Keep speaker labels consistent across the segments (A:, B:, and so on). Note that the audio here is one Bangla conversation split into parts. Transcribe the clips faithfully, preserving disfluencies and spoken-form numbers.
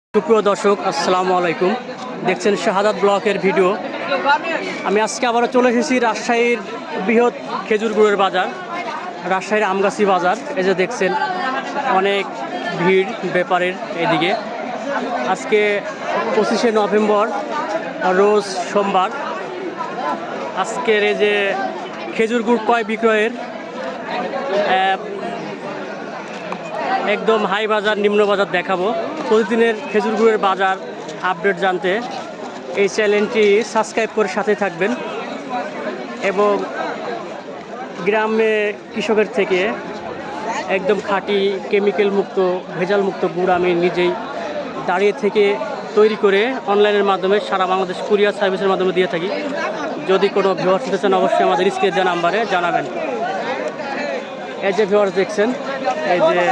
A: সুপ্রিয় দর্শক, আসসালামু আলাইকুম। দেখছেন শাহাদাত ব্লকের ভিডিও। আমি আজকে আবারও চলে এসেছি রাজশাহীর বৃহৎ খেজুর গুড়ের বাজার, রাজশাহীর আমগাছি বাজার। এই যে দেখছেন অনেক ভিড় ব্যাপারের এদিকে। আজকে পঁচিশে নভেম্বর, রোজ সোমবার। আজকের এই যে খেজুর গুড় ক্রয় বিক্রয়ের একদম হাই বাজার নিম্ন বাজার দেখাবো। প্রতিদিনের খেজুর গুড়ের বাজার আপডেট জানতে এই চ্যানেলটি সাবস্ক্রাইব করে সাথে থাকবেন এবং গ্রামে কৃষকের থেকে একদম খাঁটি কেমিক্যাল মুক্ত ভেজাল মুক্ত গুড় আমি নিজেই দাঁড়িয়ে থেকে তৈরি করে অনলাইনের মাধ্যমে সারা বাংলাদেশ কুরিয়ার সার্ভিসের মাধ্যমে দিয়ে থাকি। যদি কোনো ভিউয়ার্স দিতে চান অবশ্যই আমাদের স্ক্রিনে দেওয়া নাম্বারে জানাবেন। এই যে ভিউয়ার্স দেখছেন, এই যে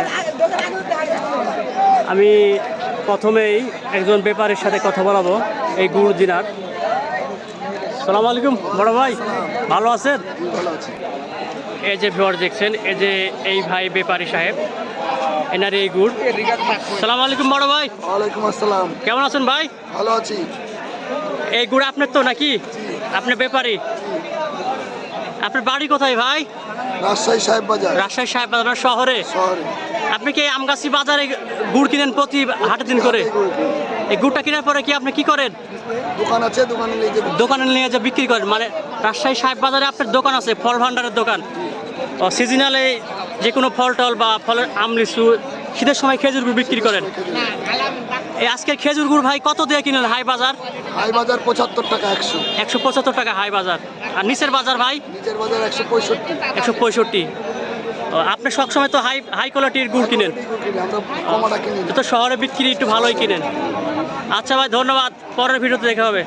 A: আমি প্রথমেই একজন ব্যাপারীর সাথে কথা বলাবো এই গুড় দিনার। সালাম আলাইকুম বড় ভাই, ভালো আছেন? এই যে ভিউয়ার্স দেখছেন, এই যে এই ভাই ব্যাপারী সাহেব, এনার এই গুড়। সালাম আলাইকুম বড় ভাই।
B: ওয়ালাইকুম আসসালাম।
A: কেমন আছেন ভাই?
B: ভালো আছি।
A: এই গুড় আপনার তো নাকি? আপনি ব্যাপারী? আপনার বাড়ি কোথায় ভাই?
B: রাজশাহী সাহেব বাজার।
A: রাজশাহী সাহেব বাজার শহরে?
B: শহরে।
A: আপনি কি আমগাছি বাজারে গুড় কিনেন প্রতি হাটের দিন করে? এই গুড়টা কেনার পরে কি আপনি কি করেন?
B: দোকান আছে, দোকানে নিয়ে যেতে।
A: দোকানে নিয়ে যে বিক্রি করেন, মানে রাজশাহী সাহেব বাজারে আপনার দোকান আছে, ফল ভান্ডারের দোকান। ও সিজনালে যে কোনো ফল টল বা ফলের আম লিচু, শীতের সময় খেজুর গুড় বিক্রি করেন। এই আজকের খেজুর গুড় ভাই কত দিয়ে কিনেন হাই বাজার?
B: হাই বাজার পঁচাত্তর টাকা একশো।
A: একশো পঁচাত্তর টাকা হাই বাজার। আর নিচের বাজার ভাই?
B: নিচের বাজার একশো পঁয়ষট্টি।
A: একশো পঁয়ষট্টি। আপনি সবসময় তো হাই হাই কোয়ালিটির গুড় কিনেন?
B: আমরা কমাটা কিনি।
A: তো শহরে বিক্রি একটু ভালোই কিনেন। আচ্ছা ভাই, ধন্যবাদ। পরের ভিডিওতে দেখা হবে।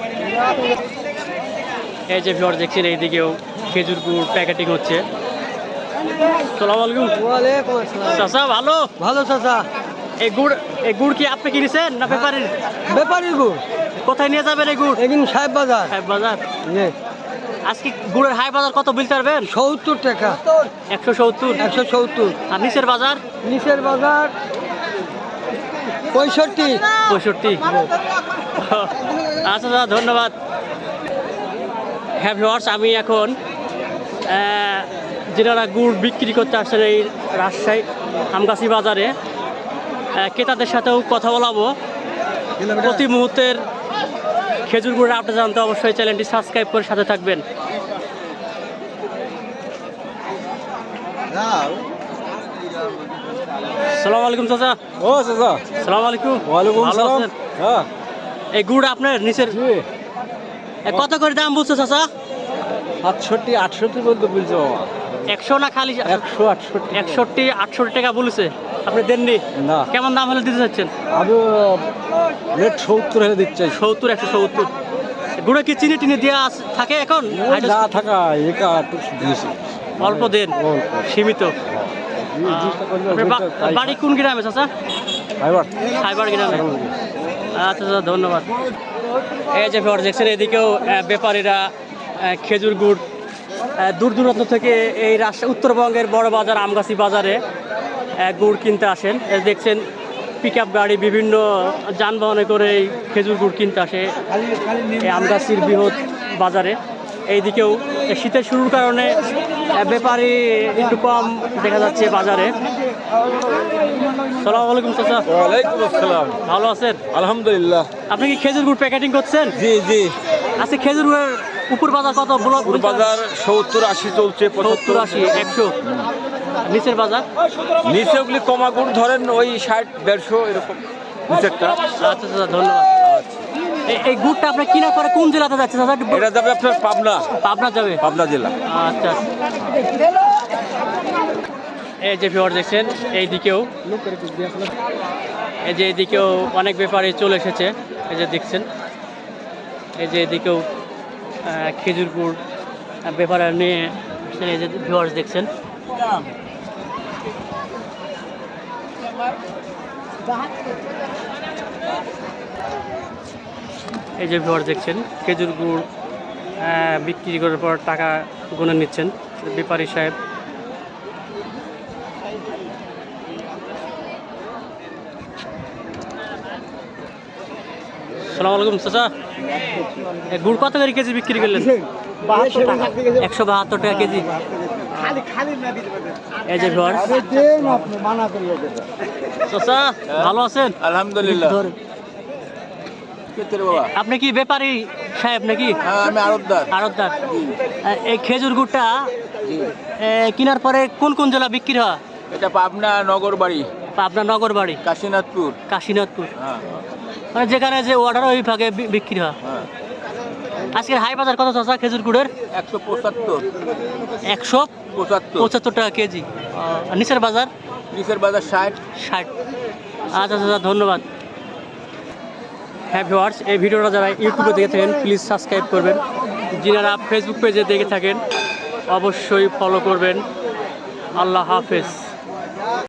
A: এই যে ভিউয়ার দেখছেন, এইদিকেও খেজুর গুড় প্যাকেটিং হচ্ছে। আসসালামু আলাইকুম।
C: ওয়ালাইকুম আসসালাম।
A: চাচা ভালো?
C: ভালো চাচা।
A: এই গুড় এই গুড় কি আপনি কিনেছেন না ব্যাপারীর?
C: ব্যাপারীর গুড়।
A: কোথায় নিয়ে যাবেন এই গুড়?
C: এদিন সাহেব বাজার।
A: হাই বাজার।
C: নে
A: আজকে গুড়ের হাই বাজার কত বলতে পারবেন?
C: সত্তর টাকা।
A: একশো সত্তর।
C: একশো সত্তর।
A: আর নিচের বাজার?
C: নিচের বাজার পঁয়ষট্টি।
A: পঁয়ষট্টি। আচ্ছা দাদা, ধন্যবাদ। হ্যাঁ ভিউয়ার্স, আমি এখন যেনারা গুড় বিক্রি করতে আসছেন এই রাজশাহী আমগাছি বাজারে, ক্রেতাদের সাথেও কথা বলাবো। প্রতি মুহূর্তের খেজুর গুড়ের আপডেট জানতে অবশ্যই চ্যানেলটি সাবস্ক্রাইব করে সাথে থাকবেন। সালাম আলাইকুম চাচা।
C: ও চাচা।
A: সালাম আলাইকুম।
C: ওয়ালাইকুম
A: ভালো
C: আসসালাম।
A: আছেন?
C: হ্যাঁ।
A: এই গুড় আপনার নিচের এ, কত করে দাম বলছে চাচা?
C: সাতষট্টি আটষট্টি বলতে বলছো বাবা।
A: একশো না খালি?
C: একশো আটষট্টি।
A: একষট্টি আটষট্টি টাকা বলেছে, আপনি দেননি?
C: না।
A: কেমন দাম হলে দিতে চাচ্ছেন?
C: আমি রেট সত্তর হলে দিচ্ছে।
A: সত্তর, একশো সত্তর। গুড়ে কি চিনি টিনি দেওয়া আছে- থাকে এখন?
C: যা থাকা একা একটু দিয়েছি।
A: অল্প দেন, সীমিত। আপনার বা- বাড়ি কোন গ্রামে চাচা? সাইবার গ্রামে। আচ্ছা দাদা, ধন্যবাদ। এই যে ভিউয়ার্স দেখছেন, এদিকেও আহ, ব্যাপারীরা আহ, খেজুর গুড় আহ, দূর দূরান্ত থেকে এই রাজশাহী উত্তরবঙ্গের বড় বাজার আমগাছি বাজারে আহ, গুড় কিনতে আসেন। এই দেখছেন পিক আপ গাড়ি বিভিন্ন যানবাহনে করে এই খেজুর গুড় কিনতে আসে এই আমগাছির বৃহৎ বাজারে। এইদিকেও শীতের শুরুর কারণে আহ, ব্যাপারী একটু কম দেখা যাচ্ছে বাজারে। সালাম আলাইকুম চাচা।
C: ওয়ালাইকুম আসসালাম।
A: ভালো আছেন?
C: আলহামদুলিল্লাহ।
A: আপনি কি খেজুর গুড় প্যাকেটিং করছেন?
C: জি জি।
A: আচ্ছা, খেজুর গুড়ের উপর বাজার কত? ব্লক
C: বাজার সত্তর আশি চলছে।
A: সত্তর আশি একশো। নিচের বাজার?
C: নিচে ওগুলি কমা গুড় ধরেন ওই ষাট দেড়শো এরকম নিচেরটা।
A: আচ্ছা আচ্ছা, ধন্যবাদ। এই- এই গুড়টা আপনার কেনার পরে কোন জেলাতে যাচ্ছে দাদা? একটু বল-
C: এটা যাবে আপনার পাবনা।
A: পাবনা যাবে?
C: পাবনা জেলা।
A: আচ্ছা। এই যে ভিউয়ার দেখছেন, এইদিকেও এই যে এইদিকেও অনেক ব্যাপারী চলে এসেছে। এই যে দেখছেন, এই যে এদিকেও আহ, খেজুর গুড় ব্যাপারে নিয়ে আসছেন। এই যে ভিউয়ার্স দেখছেন, এই যে ভিউয়ার্স দেখছেন খেজুর গুড় আহ, বিক্রি করার পর টাকা গুনে নিচ্ছেন ব্যাপারী সাহেব। সালাম আলাইকুম চাচা এ গুড় কত করে কেজি বিক্রি করলেন একশো বাহাত্তর টাকা কেজি এই যে ঘর চাচা ভালো আছেন
C: আলহামদুলিল্লাহ।
A: ধরেন। আপনি কি ব্যাপারী সাহেব নাকি
C: হ্যাঁ, আমি আড়তদার।
A: আড়তদার এই খেজুর গুড়টা এ, কেনার পরে কোন কোন জেলা বিক্রি হয়
C: এটা পাবনা নগর বাড়ি,
A: আপনার নগর বাড়ি
C: কাশীনাথপুর।
A: কাশীনাথপুর
C: হ্যাঁ
A: মানে যেখানে যে অর্ডার ওই ভাগে বি- বিক্রি হয়
C: হ্যাঁ,
A: আজকের হাই বাজার কত চাচা খেজুর গুড়ের
C: একশো পঁচাত্তর
A: একশো
C: পঁচাত্তর
A: পঁচাত্তর টাকা কেজি আর নিচের বাজার
C: নিচের বাজার ষাট।
A: ষাট আচ্ছা আচ্ছা ধন্যবাদ। হ্যাঁ ভিউয়ার্স এই ভিডিওটা যারা ইউটিউবে দেখে থাকেন প্লিজ সাবস্ক্রাইব করবেন, যারা ফেসবুক পেজে দেখে থাকেন অবশ্যই ফলো করবেন। আল্লাহ হাফেজ।